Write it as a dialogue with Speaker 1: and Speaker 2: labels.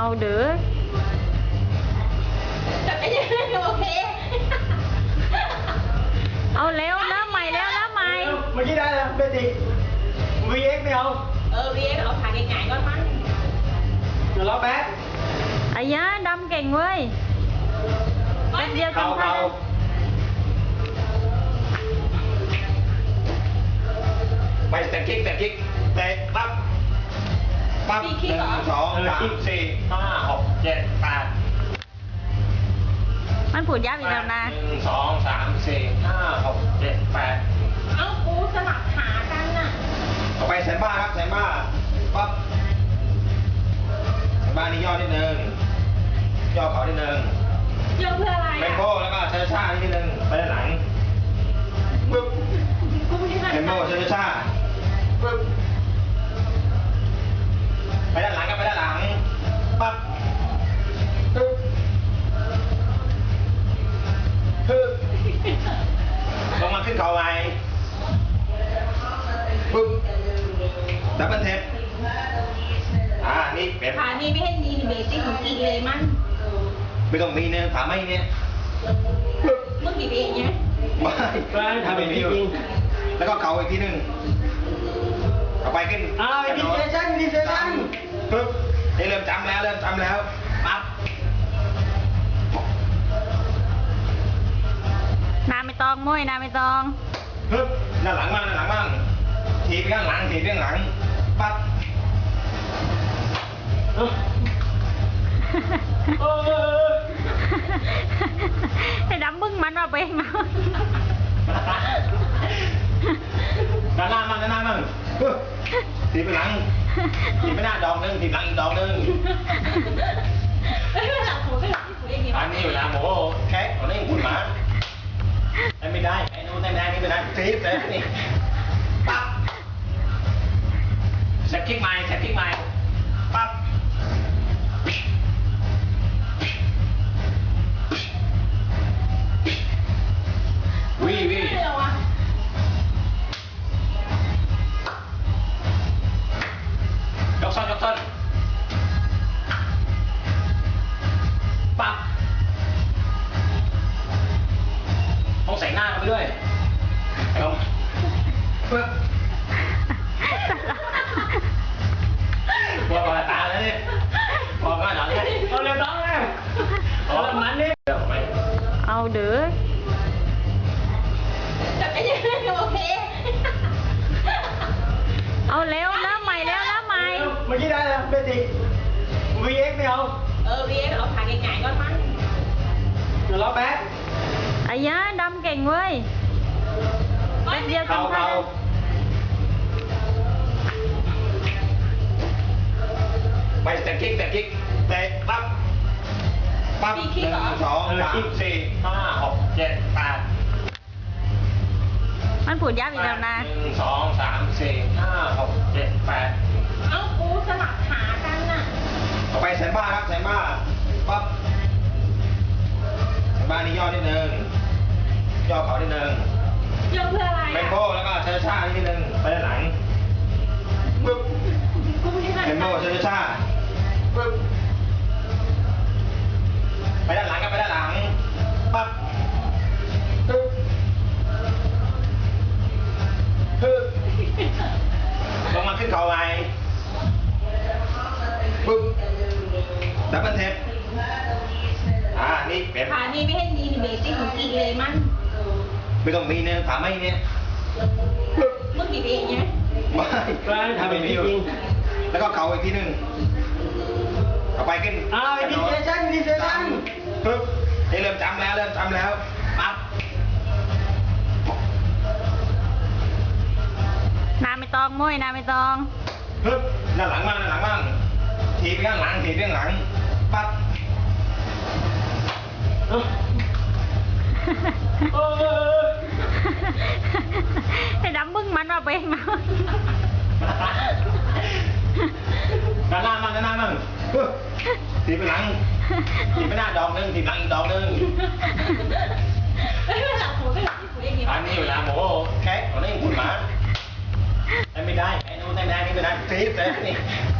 Speaker 1: เด้อ
Speaker 2: แต่ก็ยังโอเค
Speaker 1: เอาเร็วเริ่มใหม่แล้วเริ่มใหม่
Speaker 3: เมื่อกี้ได้แล้วเบสิก VX ไม่เอา
Speaker 2: วีเอ็กเอาขาง่ายๆก่อนมั้ง
Speaker 3: เดี๋ยวรอแป๊บ
Speaker 1: ไอ้ยะดำเก่งเว้ยเป็นเดียวกัน
Speaker 3: เก่าไปแต่กิ๊กเตะปั๊บ1 2 3 4 5 6 7 8
Speaker 1: มันพูดยากอีกแล้วนะ
Speaker 3: 1 2 3 4 5 6 7 8
Speaker 2: เอ้ากูสลับขากันน่ะ
Speaker 3: ต่อไปแซมบ้าครับแซมบ้าปั๊บแซมบ้านี่ย่อนิดนึงย่อเขานิดนึง
Speaker 2: เยอะเพื่ออะไร
Speaker 3: เม
Speaker 2: อ่ะ
Speaker 3: มโบแล้วก็ช้าๆนิดนึงไปด้านหลังปึ๊บ
Speaker 2: กูไม่ได้
Speaker 3: เมมโบช้าๆปึ๊บไปด้านหลังก็ไปด้านหลังปั๊บปึ๊บปึ๊บลงมาขึ้นเข่าใหม่ปึ๊บดับเบิลเทปนี่เป็น
Speaker 2: ขานี่ไม่ให้มีเบสิกของอีกเลยมัน
Speaker 3: ไม่ต้องมีเนี่ยถามไม่เนี่ย
Speaker 2: เมื่อกี้เองเนี่ย
Speaker 3: ไม่ทำเป็นจริงแล้วก็เข่าอีกทีหนึ่งเอาไปขึ้นดีเซชั่นปึ๊บนี่เริ่มจำแล้วปั๊บ
Speaker 1: นาไม่ตองมุ้ยนาไม่ตอง
Speaker 3: ปึ๊บด้านหลังบ้างทีบไปข้างหลังปั๊บ
Speaker 1: ไอ้ดำบึ้งมันว่าเป็นเนาะ
Speaker 3: ด้านหน้ามั่งปึ๊บทีบไปหลังทีบไปหน้าดอกนึงทีบหลังอีกดอกนึง
Speaker 2: ไม่เป็นหลักหัวเป็นหลักที่กูเองเนี่ย
Speaker 3: อันนี้เวลาโมแค่ตอนนี้คุณหมาไม่ได้ไอ้นู้นไม่ได้นี่ไม่ได้ทีบเลยนี่ปั๊บแซกกิ๊กไม้ปั๊บวิ
Speaker 2: ไม่เหรอวะ
Speaker 3: ยกส้นปั๊บต้องใส่หน้าเข้าไปด้วยเอาปึ๊บว่าปลาตาแล้วนี่บอกว่าหน่อยเอาเร็วน้องเลยเอามันนี่เดี๋ยวไป
Speaker 1: เอาเด้อ
Speaker 2: แต่ก็ยังโอเค
Speaker 1: เอาเร็วเริ่มใหม่แล้วเริ่มใหม่
Speaker 3: เมื่อกี้ได้แล้วเบสิก VX ไม่เอา
Speaker 2: วีเอ็กเอาขาง่ายๆก่อนมั้ง
Speaker 3: เดี๋ยวรอแป๊บ
Speaker 1: ไอ้ยะดำเก่งเว้ยเป็นเดียวกัน
Speaker 3: เก่าไปแต่กิ๊กเตะปั๊บ1 2 3 4 5 6 7 8
Speaker 1: มันพูดยากอีกแล้วนะ
Speaker 3: 1 2 3 4 5 6 7 8
Speaker 2: เอ้ากูสลับขากันน่ะ
Speaker 3: ต่อไปแซมบ้าครับแซมบ้าปั๊บแซมบ้านี่ย่อนิดนึงย่อเขานิดนึง
Speaker 2: เยอะเพื่ออะไร
Speaker 3: เมมโบ
Speaker 2: อ่ะ
Speaker 3: แล้วก็ช้าๆนิดนึงไปด้านหลังปึ๊บ
Speaker 2: กูไม่ได้
Speaker 3: เมมโบช้าๆปึ๊บไปด้านหลังก็ไปด้านหลังปั๊บปึ๊บปึ๊บลงมาขึ้นเข่าใหม่ปึ๊บดับเบิลเทปนี่เป็น
Speaker 2: ขานี่ไม่ให้มีเบสิกของอีกเลยมัน
Speaker 3: ไม่ต้องมีเนี่ยถามไม่เนี่ย
Speaker 2: เมื่อกี้เองเนี่ย
Speaker 3: ไม่ทำเป็นจริงแล้วก็เข่าอีกทีหนึ่งเอาไปขึ้นดีเซชั่นปึ๊บนี่เริ่มจำแล้วปั๊บ
Speaker 1: นาไม่ตองมุ้ยนาไม่ตอง
Speaker 3: ปึ๊บด้านหลังบ้างทีบไปข้างหลังปั๊บ
Speaker 1: ไอ้ดำบึ้งมันว่าเป็นเนาะ
Speaker 3: ด้านหน้ามั่งปึ๊บทีบไปหลังทีบไปหน้าดอกนึงทีบหลังอีกดอกนึง
Speaker 2: ไม่เป็นหลักหัวเป็นหลักที่กูเองเนี่ย
Speaker 3: อันนี้เวลาโมแค่ตอนนี้คุณหมาไม่ได้ไอ้นู้นไม่ได้นี่ไม่ได้ทีบเลยนี่